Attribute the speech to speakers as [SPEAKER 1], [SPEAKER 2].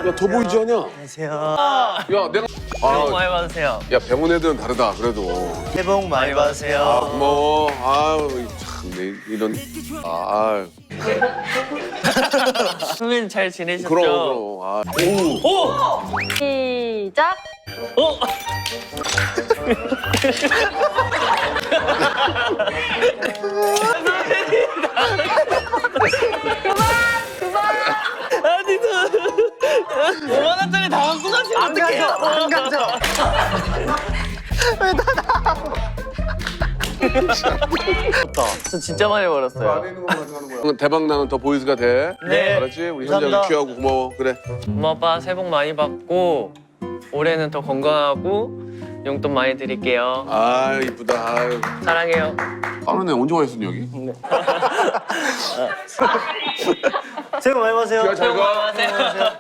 [SPEAKER 1] 야, 더 보이지 않냐?
[SPEAKER 2] 안녕하세요.
[SPEAKER 1] 야, 내가.
[SPEAKER 3] 새해 복 많이 받으세요.
[SPEAKER 1] 야, 병원 애들은 다르다, 그래도.
[SPEAKER 2] 새해 복 많이 받으세요.
[SPEAKER 1] 고마워. 아유, 참, 이런. 아,
[SPEAKER 3] 수민 잘 지내셨죠?
[SPEAKER 1] 그럼. 아.
[SPEAKER 3] 오!
[SPEAKER 4] 시작.
[SPEAKER 3] 어? 아니, 5만 원짜리 다 갖고 가시면 어떡해요?
[SPEAKER 2] 안 가져.
[SPEAKER 3] 저 진짜 많이 벌었어요.
[SPEAKER 1] 대박 나는 더 보이즈가 돼.
[SPEAKER 3] 네.
[SPEAKER 1] 알았지? 우리
[SPEAKER 2] 감사합니다.
[SPEAKER 1] 현장이 귀하고 고마워. 그래.
[SPEAKER 3] 엄마 아빠 새해 복 많이 받고 올해는 더 건강하고 용돈 많이 드릴게요.
[SPEAKER 1] 아유, 이쁘다. 아유.
[SPEAKER 3] 사랑해요.
[SPEAKER 1] 다른 애 언제 와 있었니, 여기?
[SPEAKER 2] 새해 복 많이 받으세요.
[SPEAKER 1] 야, 잘 가.
[SPEAKER 3] 안녕하세요.